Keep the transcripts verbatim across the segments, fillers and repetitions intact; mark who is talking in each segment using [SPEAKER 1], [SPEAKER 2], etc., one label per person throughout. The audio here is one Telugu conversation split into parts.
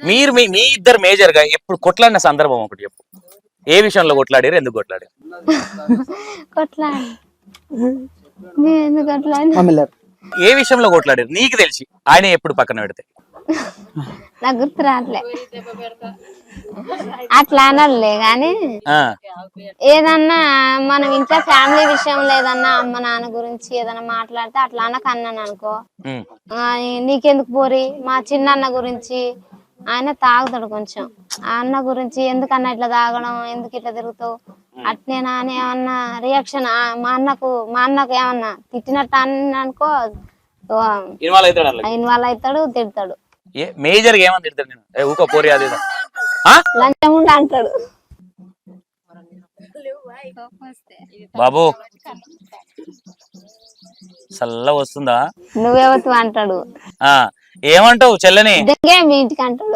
[SPEAKER 1] మీరు మీ మీ ఇద్దరు మేజర్ గా ఎప్పుడు కొట్లాడిన సందర్భం ఒకటి చెప్పు. ఏ విషయంలో కొట్లాడారు, ఎందుకు కొట్లాడారు?
[SPEAKER 2] కొట్లాడి మేము ఎందుకు కొట్లాడి
[SPEAKER 1] ఏ విషయంలో కొట్లాడారు నీకు తెలిసి? ఆయన ఎప్పుడు పక్కన పెడితే
[SPEAKER 2] నాకు గుర్తు రావట్లే. అట్లా అనలే గాని ఏదన్నా మనం ఇంట్లో ఫ్యామిలీ విషయంలో ఏదన్నా అమ్మ నాన్న గురించి ఏదన్నా మాట్లాడితే అట్లా అనక అన్నాను అనుకో, నీకెందుకు పోరి మా చిన్న అన్న గురించి, ఆయన తాగుతాడు కొంచెం, ఆ అన్న గురించి ఎందుకన్నా ఇట్లా తాగడం, ఎందుకు ఇట్లా తిరుగుతావు అట్నేనా అని ఏమన్నా రియాక్షన్ మా అన్నకు మా అన్నకు ఏమన్నా తిట్టినట్టు అన్న అనుకో ఇన్వాల్వ్ అవుతాడు, తిడతాడు.
[SPEAKER 1] మేజర్ గా ఏమని తిడతాడు? నేను ఊకో పోరి అది
[SPEAKER 2] లంచం ఉండి అంటాడు.
[SPEAKER 1] బాబు చల్ల వస్తుందా?
[SPEAKER 2] నువ్వెవతు అంటాడు.
[SPEAKER 1] ఆ ఏమంటావు చెల్లని?
[SPEAKER 2] మీ ఇంటికి అంటాడు.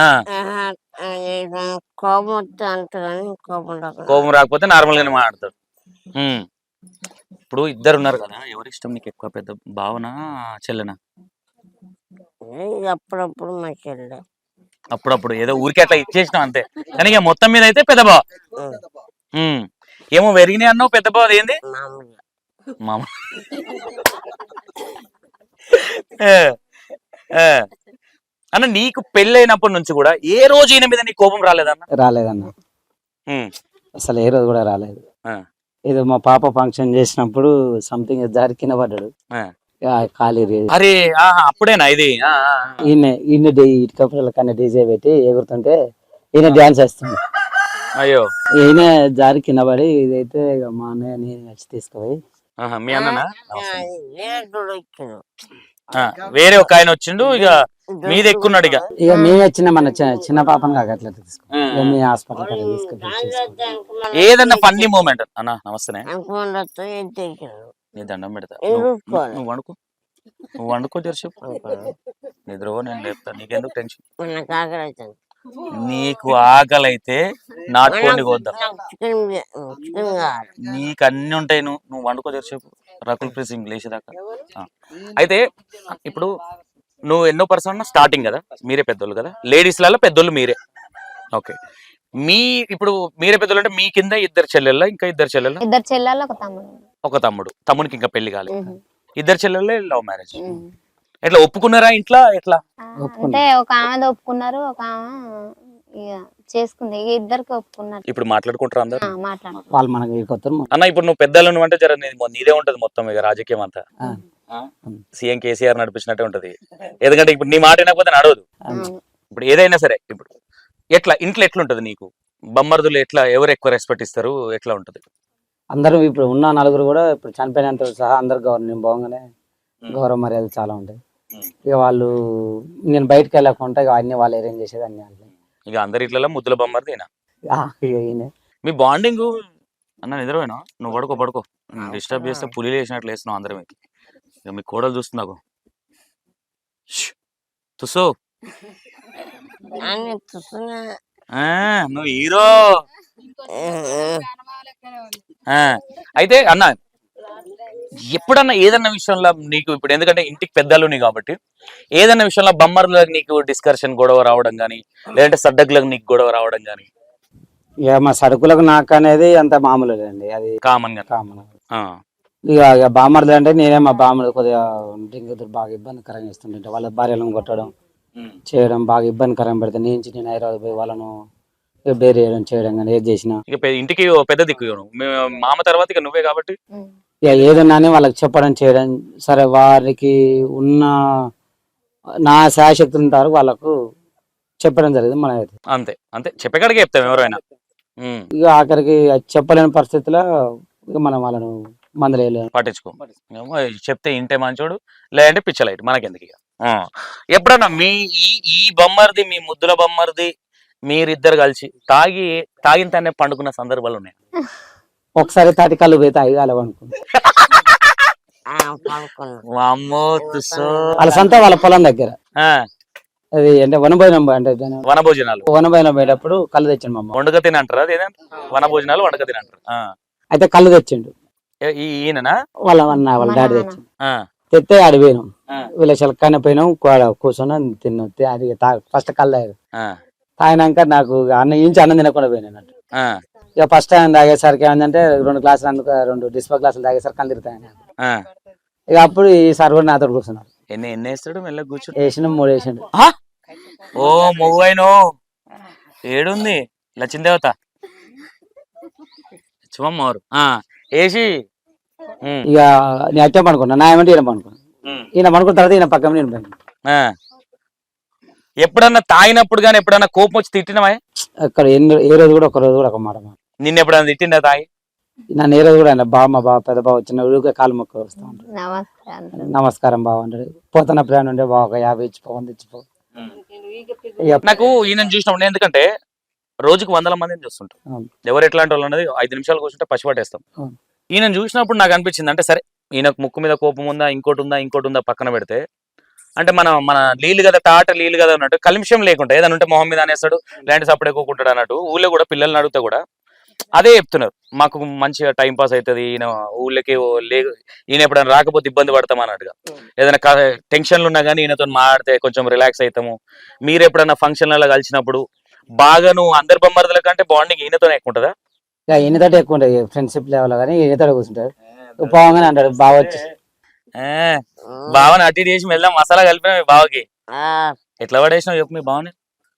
[SPEAKER 1] కోపం రాకపోతే నార్మల్ గానే మాట్లాడతాడు. ఇప్పుడు ఇద్దరు ఉన్నారు కదా, ఎవరి ఇష్టం నీకు ఎక్కువ? పెద్ద భావన చెల్లెనా?
[SPEAKER 3] అప్పుడప్పుడు మా చెల్లె.
[SPEAKER 1] అప్పుడప్పుడు ఏదో ఊరికే అట్లా ఇచ్చేసినాం అంతే, కానీ ఇక మొత్తం మీద అయితే పెద్ద బావ. ఏమో వెరిగినాయి అన్నావు, పెద్ద బావ ఏంది? మామ. అన్న నీకు పెళ్ళైనప్పటి నుంచి కూడా ఏ రోజు ఈయన మీద నీ కోపం రాలేదన్న?
[SPEAKER 4] రాలేదన్న, అసలు ఏ రోజు కూడా రాలేదు. ఏదో మా పాప ఫంక్షన్ చేసినప్పుడు సంథింగ్ జారి కింద పడ్డాడు, ఖాళీ.
[SPEAKER 1] అరే అప్పుడేనా ఇది?
[SPEAKER 4] ఈయన ఈయన ఇటుకప్పుల కన్నా డీజే పెట్టి ఎగురుతుంటే ఈయన డ్యాన్స్ వేస్తుంది.
[SPEAKER 1] అయ్యో,
[SPEAKER 4] ఈయన జారి కింద పడి ఇదైతే మా అన్నయ్య నేను వచ్చి తీసుకుపోయి.
[SPEAKER 1] మీ అన్న వేరే ఒక ఆయన వచ్చిండు, ఇక మీద ఎక్కున్నాడు. ఇక
[SPEAKER 4] ఇక మేము వచ్చిన మన చిన్న పాపను కాక అట్లా తీసుకుని మీ హాస్పిటల్ తీసుకుని.
[SPEAKER 1] ఏదన్నా ఫన్నీ మూమెంట్ అన్న? నమస్తే, నీ దండం పెడతా. నువ్వు వండుకో, నువ్వు వండుకో జరసేపు నిద్ర, నేను లేపుతా. నీకెందుకు టెన్షన్? నీకు ఆకలి అయితే నాటుకోండి కోద్దాం, నీకు అన్ని ఉంటాయి. నువ్వు నువ్వు వండుకో జరసేపు, రకుల్ ప్రీసింగ్ లేచేదాకా. అయితే ఇప్పుడు నువ్వు ఎన్నో పర్సన్ స్టార్టింగ్ కదా, మీరే పెద్దోళ్ళు కదా, లేడీస్ లలో పెద్దోళ్ళు మీరే. ఓకే, మీ ఇప్పుడు మీరే పెద్దోళ్ళు అంటే మీ కింద ఇద్దరు చెల్లెళ్ళ, ఇంకా ఇద్దరు చెల్లెళ్ళ?
[SPEAKER 2] ఇద్దరు చెల్లెళ్ళు, ఒక తమ్ముడు.
[SPEAKER 1] ఒక తమ్ముడు. తమ్మునికి ఇంకా పెళ్లి కాలేదు. ఇద్దరు చెల్లెళ్ళే లవ్ మ్యారేజ్. ఎట్లా ఒప్పుకున్నారా ఇంట్లో? ఎట్లా
[SPEAKER 2] అంటే ఒక ఆమె ఒప్పుకున్నారు, ఒక ఆమె ఇక చేసుకుంది, ఇక ఇద్దరికి ఒప్పుకున్నారు.
[SPEAKER 1] ఇప్పుడు మాట్లాడుకుంటారు అందరు?
[SPEAKER 4] వాళ్ళు మనకి
[SPEAKER 1] అన్న ఇప్పుడు నువ్వు పెద్దలు నువ్వు అంటే జర నీదే ఉంటది మొత్తం ఇక రాజకీయం అంతా. సీఎం కేసీఆర్ నడిపించినట్టే ఉంటది, ఎందుకంటే ఇప్పుడు నీ మాట వినకపోతే నడవదు. ఇప్పుడు ఏదైనా సరే ఇప్పుడు ఎట్లా ఇంట్లో ఎట్లుంటది నీకు? బొమ్మర్దులు ఎట్లా, ఎవరు ఎక్కువ రెస్పెక్ట్ ఇస్తారు, ఎట్లా ఉంటది?
[SPEAKER 4] అందరూ ఇప్పుడు ఉన్న నలుగురు కూడా ఇప్పుడు చనిపోయినంత సహా అందరు గౌరవం పోగానే గౌరవ మర్యాదలు చాలా ఉంటాయి. ఇక వాళ్ళు నేను బయటకు వెళ్ళకుండా ఇక అన్ని వాళ్ళు అరేంజ్ చేసేది అన్ని.
[SPEAKER 1] ఇక అందరి ఇట్లలో ముద్దుల బొమ్మర్ది
[SPEAKER 4] ఈయన.
[SPEAKER 1] మీ బాండింగ్ అన్న నిద్రపోయినా? నువ్వు పడుకో పడుకో, డిస్టర్బ్ చేస్తే పులి వేసినట్లు వేస్తున్నావు అందరం. ఇక మీ కోడలు చూస్తున్నాకు తుసో, నువ్వు హీరో. అయితే అన్న ఎప్పుడన్నా ఏదన్నా విషయంలో నీకు ఇప్పుడు, ఎందుకంటే ఇంటికి పెద్దలుని కాబట్టి, ఏదన్నా విషయంలో బొమ్మర్లకు నీకు డిస్కషన్ గొడవ రావడం కానీ, లేదంటే సడ్డకులకు నీకు గొడవ రావడం కానీ?
[SPEAKER 4] ఇక మా సరుకులకు నాకు అనేది అంత మామూలు అండి, అది
[SPEAKER 1] కామన్ గా.
[SPEAKER 4] కామన్. ఇక ఇక బామ్మర్లు అంటే నేనే మా బామ్మలు కొద్దిగా డ్రింక్ బాగా ఇబ్బందికరంగా ఇస్తుంటే వాళ్ళ భార్యలను కొట్టడం చేయడం బాగా ఇబ్బందికరంగా పెడతాను. నేను నేను హైదరాబాద్ పోయి వాళ్ళను బేర్ చేయడం చేయడం కానీ ఏది చేసినా.
[SPEAKER 1] ఇక ఇంటికి పెద్ద దిక్కు మామ తర్వాత ఇక నువ్వే కాబట్టి
[SPEAKER 4] ఇక ఏదన్నా వాళ్ళకి చెప్పడం చేయడం. సరే వారికి ఉన్న నా శాయశక్తులు ఉంటారు వాళ్ళకు చెప్పడం జరిగింది. మన
[SPEAKER 1] అంతే అంతే చెప్పేకాడికి చెప్తాం ఎవరైనా.
[SPEAKER 4] ఇక ఆఖరికి చెప్పలేని పరిస్థితిలో ఇక మనం వాళ్ళను మందలేయలేము,
[SPEAKER 1] పట్టించుకో. చెప్తే ఇంటే మంచోడు, లేదంటే పిచ్చలైట్, మనకెందుకు. ఇక ఎప్పుడన్నా మీ ఈ ఈ బొమ్మర్ది, మీ ముద్దుల బొమ్మర్ది మీరిద్దరు కలిసి తాగి తాగిన తానే పండుకున్న సందర్భాలు ఉన్నాయి?
[SPEAKER 4] ఒకసారి తాటి కళ్ళు పోయి తాగి అలా అనుకుంటా. వాళ్ళ సంత వాళ్ళ పొలం దగ్గర అది అంటే వనభోజనం అంటే
[SPEAKER 1] వనభోజనాలు
[SPEAKER 4] వనభోజనం పోయేటప్పుడు కళ్ళు తెచ్చిండు మా అమ్మ.
[SPEAKER 1] వండక తిని అంటారు అది వనభోజనాలు, వండక తిని అంటారు.
[SPEAKER 4] అయితే కళ్ళు తెచ్చిండు
[SPEAKER 1] ఈయననా?
[SPEAKER 4] వాళ్ళ వాళ్ళ డాడీ తెచ్చిండు. తెస్తే ఆడిపోయినాం వీళ్ళ చిలకనే పోయినాం కూర్చున్నాం తిన్నాం అది ఫస్ట్ కల్లా తాగినాక నాకు అన్న ఇంచి అన్నం తినకుండా పోయినా అన్నట్టు ఇక ఫస్ట్ టైం తాగేసరికి ఏంటంటే రెండు గ్లాసులు అందుకు రెండు డిస్పో గ్లాసులు తాగేసరికి కళ్ళు తిరుగుతాయి ఇక అప్పుడు ఈ సార్ కూడా నాతో కూర్చున్నారు.
[SPEAKER 1] ఎన్ని ఎన్ని వేస్తాడు మెల్ల కూర్చో
[SPEAKER 4] వేసిన మూడు వేసిండు.
[SPEAKER 1] ఓ మొవ్వైనో ఏడుంది లచ్చిందేవత చూమమ్మవారు వేసి
[SPEAKER 4] ఇక నేను అట్టే పనుకున్నా నా ఏమంటే ఈయన పనుకున్నా ఈయన పనుకున్న తర్వాత ఈయన పక్కన నేను పోయినా.
[SPEAKER 1] ఎప్పుడన్నా తాగినప్పుడు కానీ ఎప్పుడన్నా కోపం వచ్చి తిట్టినవా?
[SPEAKER 4] అక్కడ ఎన్ని ఏ రోజు కూడా ఒక రోజు కూడా ఒక మాట
[SPEAKER 1] నిన్న ఎప్పుడన్నా తిట్టిందా తాగి?
[SPEAKER 4] నన్ను ఏ రోజు కూడా ఆయన బావ మా బావ పెద్ద బావ వచ్చిన ఊరికే కాలు మొక్క వస్తూ ఉంటాడు. నమస్కారం బావ అంటాడు. పోతున్న ప్రయాణం ఉండే బావ ఒక యాభై ఇచ్చిపో వంద ఇచ్చిపో.
[SPEAKER 1] నాకు ఈయన చూసినప్పుడు ఎందుకంటే రోజుకు వందల మందిని చూస్తుంటాం, ఎవరు ఎట్లాంటి వాళ్ళు అన్నది ఐదు నిమిషాలు కూర్చుంటే పసిపట్టేస్తాం. ఈయన చూసినప్పుడు నాకు అనిపించింది అంటే సరే ఈయనకు ముక్కు మీద కోపం ఉందా ఇంకోటి ఉందా ఇంకోటి ఉందా పక్కన పెడితే అంటే మన మన నీళ్ళు కదా తాట నీళ్ళు కదా అన్నట్టు కలుషం లేకుండా ఏదైనా ఉంటే మొహం మీద అనేస్తాడు ఇలాంటి సప్పుడు ఎక్కువకుంటాడు అన్నట్టు ఊళ్ళో కూడా పిల్లల్ని అడిగితే కూడా అదే చెప్తున్నారు, మాకు మంచిగా టైం పాస్ అవుతుంది, ఈయన ఊళ్ళకి లే ఈయన ఎప్పుడైనా రాకపోతే ఇబ్బంది పడతాం అన్నట్టుగా. ఏదైనా టెన్షన్లు ఉన్నా కానీ ఈయనతో మాట్లాడితే కొంచెం రిలాక్స్ అవుతాము. మీరు ఎప్పుడైనా ఫంక్షన్లలో కలిసినప్పుడు బాగా నువ్వు అందరి బొమ్మర్దుల కంటే బాండింగ్ ఈయనతోనే ఎక్కువ ఉంటుందా?
[SPEAKER 4] ఈయనతో ఎక్కువ ఉంటుంది ఫ్రెండ్షిప్ లెవెల్ కానీ ఈయనతో కూర్చుంటాడు. పోగానే అంటాడు బావ వచ్చి
[SPEAKER 1] బావని అటు చేసి మెల్ల మసాలా కలిపిన మీ బావకి ఎట్లా పడేసినావు చెప్పు మీ బావని?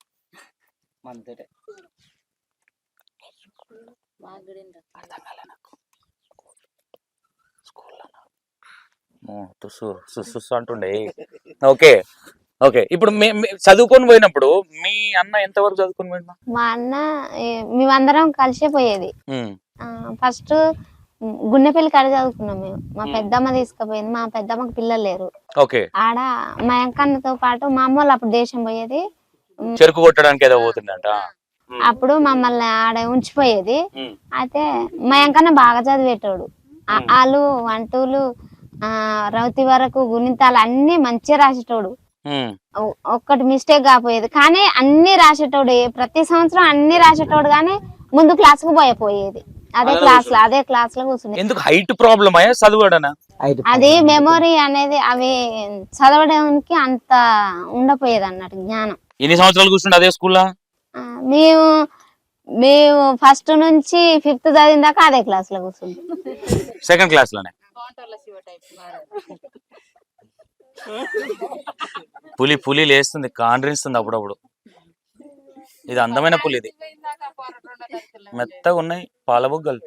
[SPEAKER 1] అంటుండే. ఓకే ఓకే ఇప్పుడు చదువుకొని పోయినప్పుడు మీ అన్న ఎంత వరకు చదువుకొని పోయినా?
[SPEAKER 2] మా అన్న మేమందరం కలిసే పోయేది. ఫస్ట్ గున్నెపల్లి కాడ చదువుకున్నాం మేము. మా పెద్దమ్మ తీసుకుపోయింది. మా పెద్దమ్మకి పిల్లలు లేరు. ఆడ మా ఎంకన్నతో పాటు మా అమ్మ వాళ్ళు అప్పుడు దేశం పోయేది,
[SPEAKER 1] చెరుకు కొట్టడానికి ఏదో పోతుందంట.
[SPEAKER 2] అప్పుడు మమ్మల్ని ఆడ ఉంచిపోయేది. అయితే మా ఎంకన్న బాగా చదివేటోడు. ఆలు వంటూలు ఆ రౌతి వరకు గుణితాలు అన్ని మంచిగా రాసేటోడు. ఒక్కటి మిస్టేక్ కాపోయేది కానీ అన్ని రాసేటోడు. ప్రతి సంవత్సరం అన్ని రాసేటోడు కానీ ముందు క్లాస్ కు పోయపోయేది. అదే క్లాస్ లో అదే క్లాస్ లో కూర్చుంది.
[SPEAKER 1] ఎందుకు హైట్ ప్రాబ్లమ్ అయ్యా చదవడనా?
[SPEAKER 2] అది మెమొరీ అనేది అవి చదవడానికి అంత ఉండపోయేది అన్నట్టు జ్ఞానం.
[SPEAKER 1] ఎన్ని సంవత్సరాలు కూర్చుంటే అదే స్కూల్లో?
[SPEAKER 2] మేము మేము ఫస్ట్ నుంచి ఫిఫ్త్ చదివిన దాకా అదే క్లాస్ లో కూర్చుంది.
[SPEAKER 1] సెకండ్ క్లాస్ లోనే పులి పులి లేస్తుంది కాండ్రిస్తుంది అప్పుడప్పుడు. ఇది అందమైన పులి, ఇది మెత్తగా ఉన్నాయి పాలబుగ్గలు.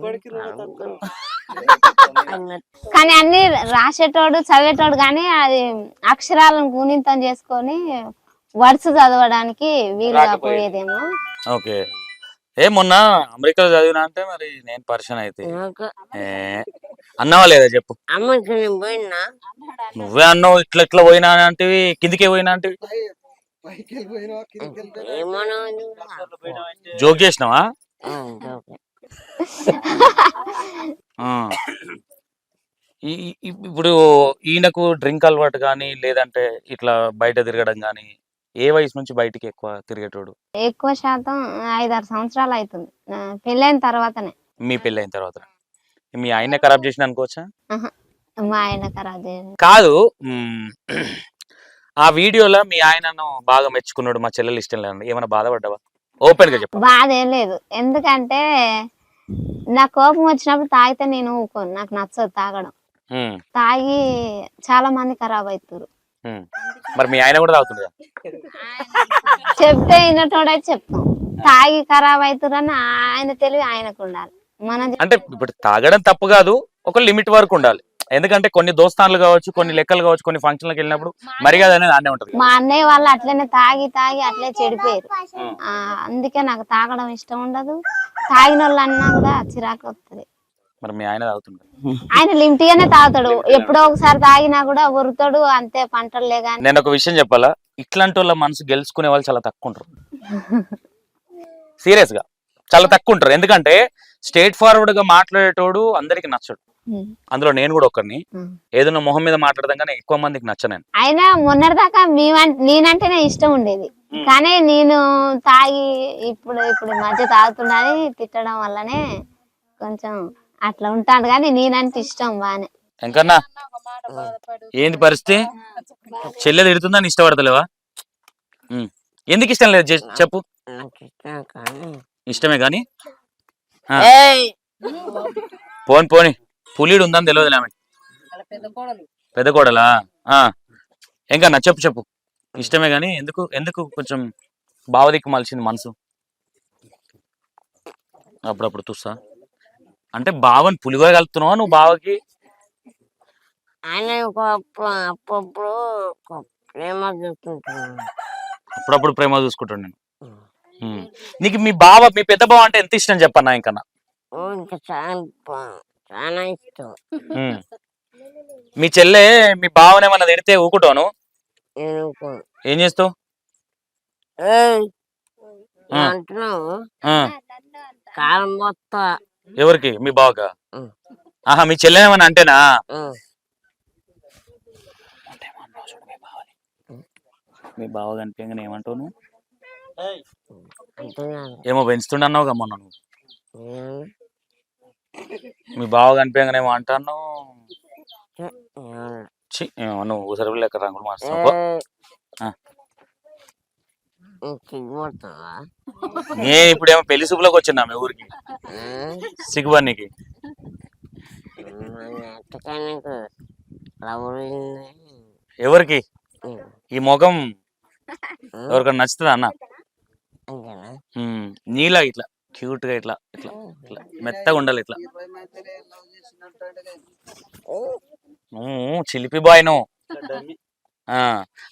[SPEAKER 2] కానీ అన్ని రాసేటోడు చదివేటోడు కానీ అది అక్షరాలను గుణితం చేసుకొని వర్డ్స్ చదవడానికి వీలు కాకపోయేదేమో.
[SPEAKER 1] ఓకే. ఏ మొన్న అమెరికాలో చదివినా అంటే మరి నేను పరిచయం అయితే అన్నావా లేదా చెప్పు? నువ్వే అన్నావు ఇట్లా ఇట్లా పోయినా అంటే కిందికే పోయినా అంటే జోక్ చేసినావా? ఇప్పుడు ఈయనకు డ్రింక్ అలవాటు కానీ లేదంటే ఇట్లా బయట తిరగడం కానీ ఏ వయసు నుంచి బయటికి ఎక్కువ తిరిగేటోడు?
[SPEAKER 2] ఎక్కువ శాతం ఐదారు సంవత్సరాలు అవుతుంది పెళ్ళైన తర్వాతనే.
[SPEAKER 1] మీ పెళ్ళైన తర్వాత మీ ఆయన ఖరాబ్ చేసిన అనుకోవచ్చా?
[SPEAKER 2] మా ఆయన ఖరాబ్ చేసిన
[SPEAKER 1] కాదు. ఆ వీడియోలో మీ ఆయనను బాగా మెచ్చుకున్నాడు, మా చెల్లెలు ఇష్టం లేదు, ఏమైనా బాధపడ్డావా? ఓపెన్ గా చెప్పు.
[SPEAKER 2] బాధ ఏం లేదు, ఎందుకంటే నా కోపం వచ్చినప్పుడు తాగితే నేను ఊకోను, నాకు నచ్చదు తాగడం. తాగి చాలా మంది ఖరాబ్ అవుతారు.
[SPEAKER 1] మరి మీ ఆయన కూడా తాగుతుంది
[SPEAKER 2] చెప్తే వినటోడైతే చెప్తాం. తాగి ఖరాబ్ అవుతారని ఆయన తెలివి ఆయనకు ఉండాలి. మన
[SPEAKER 1] అంటే ఇప్పుడు తాగడం తప్పు కాదు, ఒక లిమిట్ వరకు ఉండాలి. ఎందుకంటే కొన్ని దోస్తాన్లు కావచ్చు, కొన్ని లెక్కలు కావచ్చు, కొన్ని ఫంక్షన్లకు వెళ్ళినప్పుడు మర్యాద అనేది అనే ఉంటది.
[SPEAKER 2] మా అన్నయ్య వాళ్ళు అట్లనే తాగి తాగి అట్లే చెడిపోయారు. ఆ అందుకే నాకు తాగడం ఇష్టం ఉండదు. తాగిన వాళ్ళు అన్నా కూడా చిరాకు వస్తుంది.
[SPEAKER 1] మరి మీ ఆయన తాగుతుంటాడు?
[SPEAKER 2] ఆయన లిమిట్ గానే తాగుతాడు. ఎప్పుడో ఒకసారి తాగినా కూడా ఉరుతాడు అంతే, పంటలే గాని.
[SPEAKER 1] నేను ఒక విషయం చెప్పాలా, ఇట్లాంటి వాళ్ళ మనసు గెలుచుకునే వాళ్ళు చాలా తక్కువ ఉంటారు. సీరియస్ గా చాలా తక్కువ ఉంటారు. ఎందుకంటే స్ట్రేట్ ఫార్వర్డ్ గా మాట్లాడేటోడు అందరికి నచ్చడు. అందులో నేను కూడా ఒకరిని. ఏదైనా మొహం మీద మాట్లాడదాం కానీ ఎక్కువ మందికి నచ్చను.
[SPEAKER 2] అయినా మొన్నటిదాకా నేనంటేనే ఇష్టం ఉండేది, కానీ నేను తాగి ఇప్పుడు ఇప్పుడు మధ్య తాగుతున్నాని తిట్టడం వల్లనే కొంచెం అట్లా ఉంటాను. కానీ నేనంటే ఇష్టం బానే.
[SPEAKER 1] ఎంకన్నా ఏంది పరిస్థితి? చెల్లెలు తిడుతుందని ఇష్టపడతలేవా? ఉమ్. ఎందుకు ఇష్టం లేదు జస్ట్ చెప్పు. ఇష్టమే కానీ ఆ. పోని పోని పులిడు ఉందని తెలియదు ఆమె. పెద్ద కోడలా? ఆ. ఎంకన్నా చెప్పు చెప్పు. ఇష్టమే కానీ ఎందుకు ఎందుకు కొంచెం బావదిక్కు మలిచింది మనసు అప్పుడప్పుడు చూస్తా. అంటే బావని పులిగా కలుపుతున్నావా నువ్వు బావకి?
[SPEAKER 3] ఆయన అప్పుడప్పుడు ప్రేమ చూసుకుంటున్నాను.
[SPEAKER 1] అప్పుడప్పుడు ప్రేమ చూసుకుంటాను నేను. ఉమ్. నీకు మీ బావ మీ పెద్ద బావ అంటే ఎంత ఇష్టం చెప్పన్నా ఇంకన్నా?
[SPEAKER 3] ఇంకా చాలా బా- చాలా ఇష్టం.
[SPEAKER 1] ఉమ్. మీ చెల్లె మీ బావని ఏమన్నా తిడితే ఊకుంటాను?
[SPEAKER 3] నేను ఊరుకోను.
[SPEAKER 1] ఏం చేస్తావు?
[SPEAKER 3] ఏయ్
[SPEAKER 1] ఆ.
[SPEAKER 3] అంటున్నావు
[SPEAKER 1] ఆ.
[SPEAKER 3] కాలం మొత్తం.
[SPEAKER 1] ఎవరికి? మీ బావకా?
[SPEAKER 3] ఉమ్.
[SPEAKER 1] ఆహా మీ చెల్లె ఏమన్నా అంటేనా?
[SPEAKER 3] ఉమ్.
[SPEAKER 1] మీ బావ కనిపించగానే ఏమంటావు నువ్వు?
[SPEAKER 3] అంటున్నాను.
[SPEAKER 1] ఏమో పెంచుతుండన్నావు కదా మొన్న నువ్వు.
[SPEAKER 3] నేను
[SPEAKER 1] మీ బావ కనిపించగానే ఏమో అంటాను.
[SPEAKER 3] నేను-
[SPEAKER 1] ఛీ, ఏమో నువ్వు ఉసరు లెక్క రంగులు మార్చుతావు.
[SPEAKER 3] ఏయ్,
[SPEAKER 1] ఆ.
[SPEAKER 3] నువ్వు సిగ్గుపడతావా?
[SPEAKER 1] నేను ఇప్పుడేమో పెళ్లి చూపులోకి వచ్చినా మీ ఊరికి
[SPEAKER 3] ఉమ్.
[SPEAKER 1] సిగ్గుబడికి.
[SPEAKER 3] మన ఎట్టకానికి రవ్వులింది.
[SPEAKER 1] ఎవరికి?
[SPEAKER 3] ఉమ్.
[SPEAKER 1] ఈ ముఖం
[SPEAKER 3] ఉమ్.
[SPEAKER 1] ఎవరికైనా నచ్చుతుందా అన్న?
[SPEAKER 3] అంతేనా?
[SPEAKER 1] ఉమ్, నీలా ఇట్లా క్యూట్ గా ఇట్లా ఇట్లా ఇట్లా మెత్తగా ఉండాలి ఇట్లా. ఉమ్, చిలిపి బాయ్ నువ్వు. ఆ,